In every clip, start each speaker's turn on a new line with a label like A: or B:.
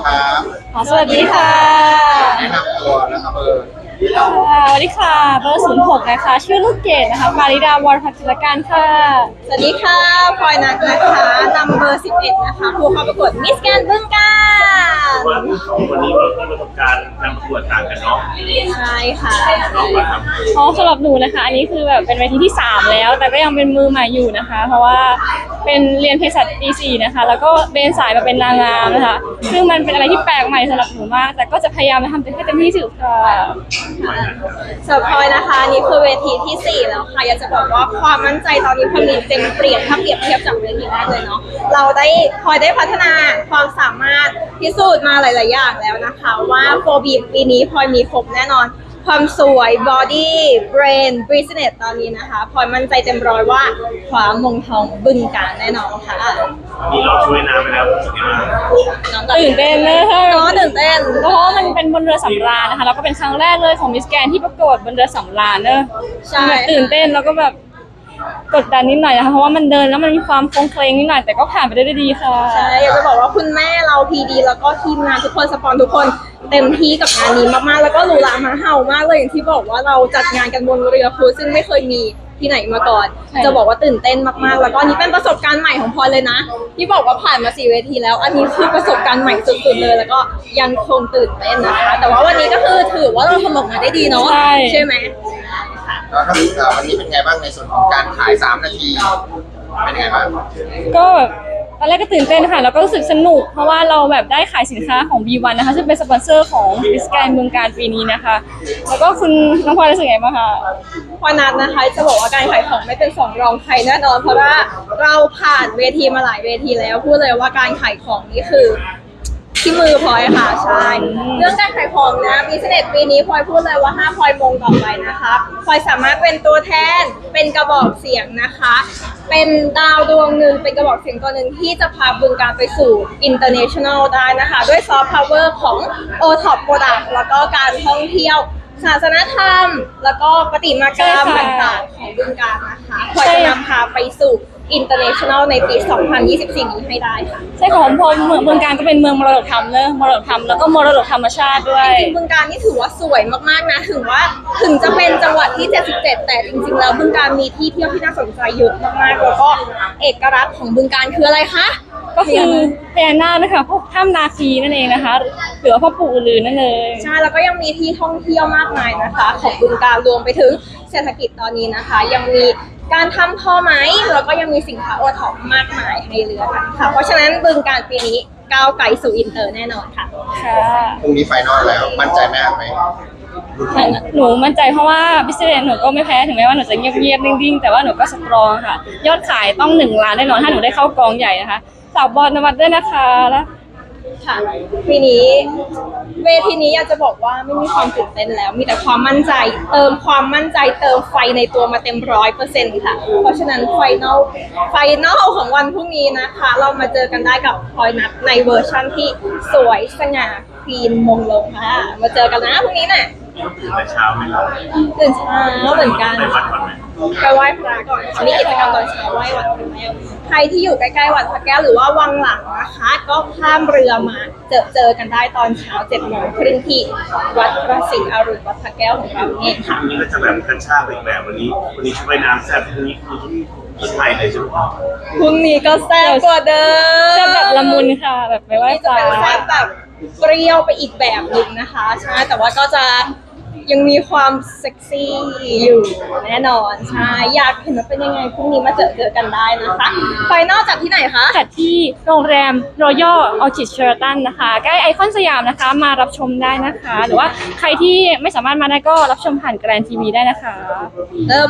A: ครับ
B: สวัสดีค่ะ
A: แนะนำตัวนะครับ
B: สวัสดีค่ะเบอร์06นะคะชื่อลูกเกดนะคะมาริดาวรพัฒนการค่ะ
C: สวัสดีค่ะพลอยนัทนะคะนำเบอร์11นะคะผู้เข้าประกวดมิสแกรนด์บึงกาฬ
D: ว่าสองคนนี้มีประสบการณ์การประกวดต่างกันเนาะ
C: ใช่ค่ะ
D: น้องว่าครับ
B: สำหรับหนูนะคะอันนี้คือแบบเป็นเวทีที่3แล้วแต่ก็ยังเป็นมือใหม่อยู่นะคะเพราะว่าเป็นเรียนเภสัชปี4นะคะแล้วก็เบนสายมาเป็นนางงามนะคะซึ่งมันเป็นอะไรที่แปลกใหม่สำหรับหนูมากแต่ก็จะพยายามทำให้เต็มที่ที่สุดค่ะ
C: สำหรับพลอยนะคะนี่คือเวทีที่4แล้วค่ะอยากจะบอกว่าความมั่นใจตอนนี้พลอยมีเต็มเปลี่ยนถ้าเปรียบเทียบจากเวทีแรกเลยเนาะเราได้พลอยได้พัฒนาความสามารถพิสูจน์มาหลายๆอย่างแล้วนะคะว่าโฟบีปีนี้พลอยมีครบแน่นอนความสวยบอดี้เบรนบริสเนสตอนนี้นะคะพลอยมั่นใจเต็มร้อยว่าคว้ามงทองบึงกาฬแน่นอนค่ะ
D: มีเราช่วยน้ำไปแล้วรู้สึกยังไง
C: น้อง
B: ตื่นเต้นเลยค่ะ
C: ตื่นเต้น
B: เพราะว่ามันเป็นบนเรือสำราญนะคะแล้วก็เป็นครั้งแรกเลยของมิสแกรนด์ที่ประกวดบนเรือสำราญเนอะ
C: ใช่
B: ตื่นเต้นแล้วก็แบบกดดันนิดหน่อยนะคะเพราะว่ามันเดินแล้วมันมีความโคลงเคลงนิดหน่อยแต่ก็ผ่านไปได้ดีค่ะ
C: ใช่อยากจะบอกว่าคุณแม่เราพีดีแล้วก็ทีมงานทุกคนสปอนทุกคนเต็มที่กับงานนี้มากๆแล้วก็หรูหรามาเห่ามากเลยอย่างที่บอกว่าเราจัดงานกันบนเรือครูซึ่งไม่เคยมีที่ไหนมาก่อนจะบอกว่าตื่นเต้นมากๆแล้วก็นี่เป็นประสบการณ์ใหม่ของพลอยเลยนะที่บอกว่าผ่านมา4 เวทีแล้วอันนี้คือประสบการณ์ใหม่สุดๆเลยแล้วก็ยังคงตื่นเต้นนะคะแต่ว่าวันนี้ก็คือถือว่าเราทำออกมาได้ดีเนาะใช่ไหม
A: แล้ววันนี้เป็นไงบ้างในส่วนของการขาย3 นาทีเป็นไงบ้าง
B: ก็แบบตอนแรกก็ตื่นเต้นค่ะแล้วก็รู้สึกสนุกเพราะว่าเราแบบได้ขายสินค้าของ B1 นะคะซึ่งเป็นสปอนเซอร์ของมิสแกรนด์เมืองการปีนี้นะคะแล้วก็คุณน้องพลอยรู้สึกไงบ้างคะ
C: พลอยนัทนะคะจะบอกว่าการขายของไม่เป็น2 รองใครแน่นอนเพราะว่าเราผ่านเวทีมาหลายเวทีแล้วพูดเลยว่าการขายของนี่คือที่มือพลอยค่ะใช่เรื่องการขายของนะบิสเนสปีนี้พลอยพูดเลยว่า5พลอยมงต่อไปนะคะพลอยสามารถเป็นตัวแทนเป็นกระบอกเสียงนะคะเป็นดาวดวงหนึ่งเป็นกระบอกเสียงตัวหนึ่งที่จะพาบึงการไปสู่ international ได้นะคะด้วยซอฟต์พาวเวอร์ของ O-Top Product แล้วก็การท่องเที่ยวศาสนธรรมแล้วก็ประติมากรรมต่างๆของบึงการนะคะพลอยจะนำพาไปสู่international ในปี 2024 นี้ให้ได้ค่ะ
B: ใช่ของพลเมืองบึงการก็เป็นเมืองมรดกธรรมเนอะมรดกธรรมแล้วก็มรดกธรรมชาติด้วย
C: จริงๆบึงการนี่ถือว่าสวยมากๆนะถึงจะเป็นจังหวัดที่77แต่จริงๆแล้วบึงการมีที่เที่ยวที่น่าสนใจเยอะมากๆแล้วก็เอกลักษณ์ของบึงการคืออะไรคะ
B: ก็คือพญานาคนะคะพวกถ้ำนาคีนั่นเองนะคะหรือว่าพ่อปู่อือนั่นเลย
C: ใช่แล้วก็ยังมีที่ท่องเที่ยวมากมายนะคะของบึงการรวมไปถึงเศรษฐกิจตอนนี้นะคะยังมีการทำท่อไม้แล้วก็ยังมีสินค้าโอท็อปมากมายให้เลือกค่ะเพราะฉะนั้นบึงการปีนี้ก้าวไกลสู่อินเตอร์แน่นอนค่ะ
A: พรุ่งนี้ไฟนอลแล้วมั่นใจมากไหม
B: หนูมั่นใจเพราะว่าบิสเนสหนูก็ไม่แพ้ถึงแม้ว่าหนูจะเงียบๆนิ่งๆแต่ว่าหนูก็สตรองค่ะยอดขายต้อง1 ล้านแน่นอนถ้าหนูได้เข้ากองใหญ่นะคะสาวบอลนวัดด้วยนะคะแล้ว
C: ค่ะปีนี้เวทีนี้อยากจะบอกว่าไม่มีความตื่นเต้นแล้วมีแต่ความมั่นใจเติมความมั่นใจเติมไฟในตัวมาเต็ม100%ค่ะเพราะฉะนั้นไฟนอลของวันพรุ่งนี้นะคะเรามาเจอกันได้กับพลอยนัทในเวอร์ชั่นที่สวยสง่าคลีนมงลงค่ะมาเจอกันนะพรุ่งนี้น่ะ
D: ตื่นแต่เช้าไหมครับ
C: ตื่นเช้าเหมือนกัน
D: ไปวัดก่อนไหม
C: ไปไหว้พระก่อนมีกิจกรรมตอนเช้าไหว้วัดพระแก้วใครที่อยู่ใกล้ๆวัดพระแก้วหรือว่าวังหลังนะคะก็ข้ามเรือมาเจอกันได้ตอนเช้า7:30ที่วัดพระศรีอรุณวัดพระแก้วของเราเองค่ะ
D: วันนี้ก็จะแบบกระชากอีกแบบวันนี้ช่วยน้ำแซ่บพรุ่งนี้คือชุดใหม่เลยใช่ไหมครับ
C: พรุ่งนี้ก็แซ่บกว่าเดิม
B: แซ่บแบบละมุนค่ะแบบไปไหว้พระ
C: แซ่บแบบเปรี้ยวไปอีกแบบหนึ่งนะคะใช่แต่ว่าก็จะยังมีความเซ็กซี่อยู่แน่นอนใช่อยากเห็นว่าเป็นยังไงพรุ่งนี้มาเจอกันได้นะคะไฟนอลจัดที่ไหนคะ
B: จัดที่โรงแรม Royal Orchid Sheraton นะคะใกล้ไอคอนสยามนะคะมารับชมได้นะคะหรือว่าใครที่ไม่สามารถมาได้ก็รับชมผ่านแกรนทีวีได้นะคะ
C: เริ่ม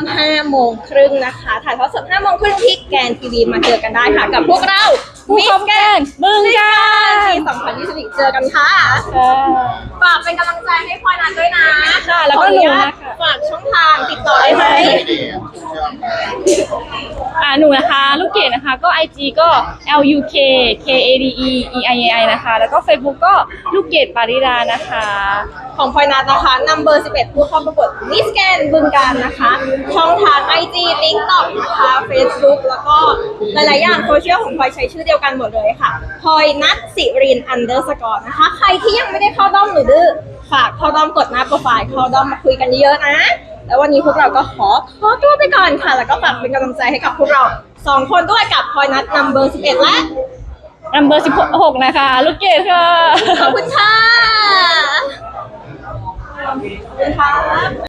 C: 5:30นะคะถ่ายทอดสด5:30ที่แกรนทีวีมาเจอกันได้ค่ะกับพวกเรา
B: มิสแกรนด์บึงกาฬ
C: ปี2024เจอกันค่ะฝากเป็นกำลังใจให้พลอยนัทด้วยนะ
B: ค่ะแล้วก็หนูนะคะ
C: ฝากช่องทางติดต่อได้ไหม
B: หนูนะคะลูกเกดนะคะก็ IG ก็ LUKKADEEIAI นะคะแล้วก็ Facebook ก็ลูกเกดปาริดานะคะ
C: ของพลอยนัทนะคะนัมเบอร์11ผู้เข้าประกวดมิสแกนบึงการนะคะ ช่องทาง IG TikTok นะคะ Facebook แล้วก็หลายๆอย่างโซเชียลของพลอยใช้ชื่อเดียวกันหมดเลยค่ะพลอยนัทสิริน_นะคะใครที่ยังไม่ได้เข้าด้อมหนูดื้อฝากเข้าด้อมกดหน้าโปรไฟล์เข้าด้อมมาคุยกันเยอะๆนะแล้ววันนี้พวกเราก็ขอตัวไปก่อนค่ะ แล้วก็ฝากเป็นกำลังใจให้กับพวกเรา2 คนด้วยกับพลอยนัทนัมเบอร์11และ
B: Number 16นะคะลูกเกดค่ะ
C: ขอบคุณค่ะ ขอบคุณค่ะ